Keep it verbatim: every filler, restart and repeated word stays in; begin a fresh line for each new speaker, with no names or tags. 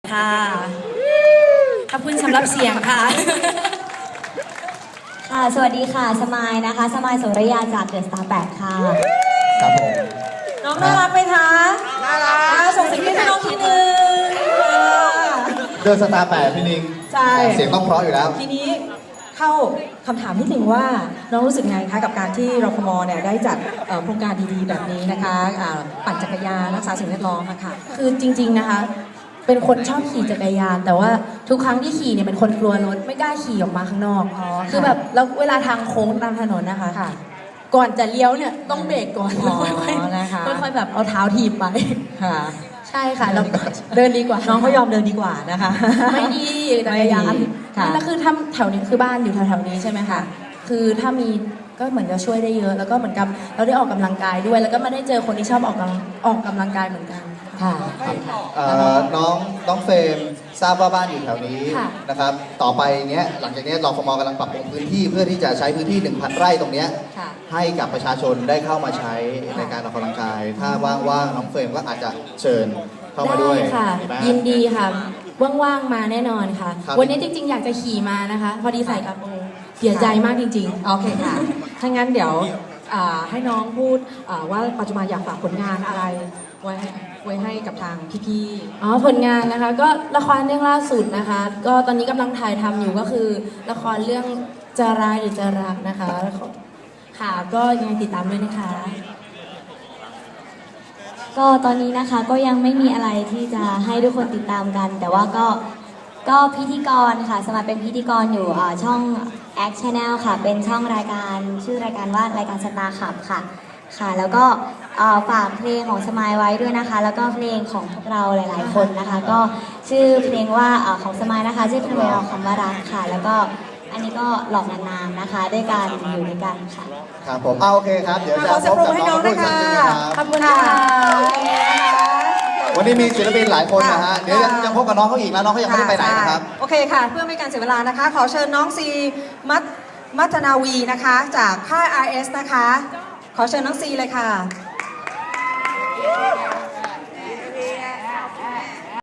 ค่ะขอบคุณสำหรับเสียงค่ะ
ค่ะสวัสดีค่ะสมายนะคะสมายสุริยาจากเดอะสตาร์แปดค่ะ
ครับผม
น้องน่ารักไหมคะน่ารักส่งเสียงให้น้องทีนึง
เดินสตาร์แปดพี่นิง
ใช่
เสียงต้องเพราะอยู่แล้ว
ทีนี้เข้าคำถามนิดนึงว่าน้องรู้สึกไงคะกับการที่รฟมเนี่ยได้จัดโครงการดีๆแบบนี้นะคะปั่นจักรยานรักษาสิ่งแวดล้อมนะคะคือจริงๆนะคะเป็นคนชอบขี่จักรยานแต่ว่าทุกครั้งที่ขี่เนี่ยเป็นคนกลัวรถไม่กล้าขี่ออกมาข้างนอกคือแบบแล้วเวลาทางโค้งตามถนนนะคะก่อนจะเลี้ยวเนี่ยต้องเบรกก่อนแล้วค่อยๆค่อยๆแบบเอาเท้าถีบไปค่ะใช่ค่ะเราเดินดีกว่าน้องก็ยอมเดินดีกว่านะคะไม่ดีจักรยานแล้วคือถ้าแถวนี้คือบ้านอยู่แถวๆนี้ใช่ไหมคะคือถ้ามีก็เหมือนจะช่วยได้เยอะแล้วก็เหมือนกับเราได้ออกกำลังกายด้วยแล้วก็มาได้เจอคนที่ชอบออกกำลังออกกำลังกายเหมือนกันค่ะ
น้องน้องเฟรมทราบว่าบ้านอยู่แถวนี้นะครับต่อไปเนี้ยหลังจากนี้รฟมกำลังปรับปรุงพื้นที่เพื่อที่จะใช้พื้นที่ หนึ่งพัน ไร่ตรงเนี้ยให้กับประชาชนได้เข้ามาใช้ในการออกกำลังกายถ้าว่างๆน้องเฟรมก็อาจจะเชิญเข้ามาด้วย
ค่ะยินดีค่ะว่างๆมาแน่นอนค่ะวันนี้จริงๆอยากจะขี่มานะคะพอดีใส่กระโปรงเสียใจมากจริงๆโอเคค่ะถ้างั้นเดี๋ยวให้น้องพูดว่าปัจจุบันอยากฝากผลงานอะไรไว้ไว้ให้กับทางพี่ๆอ๋อผลงานนะคะก็ละครเรื่องล่าสุดนะคะก็ตอนนี้กำลังถ่ายทำอยู่ก็คือละครเรื่องจะร้ายหรือจะรักนะคะค่ะก็ยังติดตามด้วยนะคะ
ก็ตอนนี้นะคะก็ยังไม่มีอะไรที่จะให้ทุกคนติดตามกันแต่ว่าก็ก็พิธีกรค่ะสมัครเป็นพิธีกรอยู่ช่อง Act Channel ค่ะเป็นช่องรายการชื่อรายการว่ารายการสตาร์ขับค่ะค่ะแล้วก็ฝากเพลงของสมายไว้ด้วยนะคะแล้วก็เพลงของพวกเราหลายๆคนนะคะก็ชื่อเพลงว่าของสมายนะคะชื่อเพลงเราคำว่ารักค่ะแล้วก็อันนี้ก็หลอกนานๆนะคะด้วยการอยู่ด้วยกันค่ะ
ครับผมเอาโอเคครับเดี๋ยวจะพบกับน้องผู้ชมนะครับ
ขอบคุณค่ะ
วันนี้มีศิลปินหลายคนนะฮะเดี๋ยวยังพบกับน้องเขาอีกแล้วน้องเขายังไม่ได้ไปไหนนะครับ
โอเคค่ะเพื่อไม่การเสียเวลานะคะขอเชิญน้องซีมัทมัทนาวีนะคะจากค่าย อาร์ เอส นะคะขอเชิญน้องซีเลยค่ะ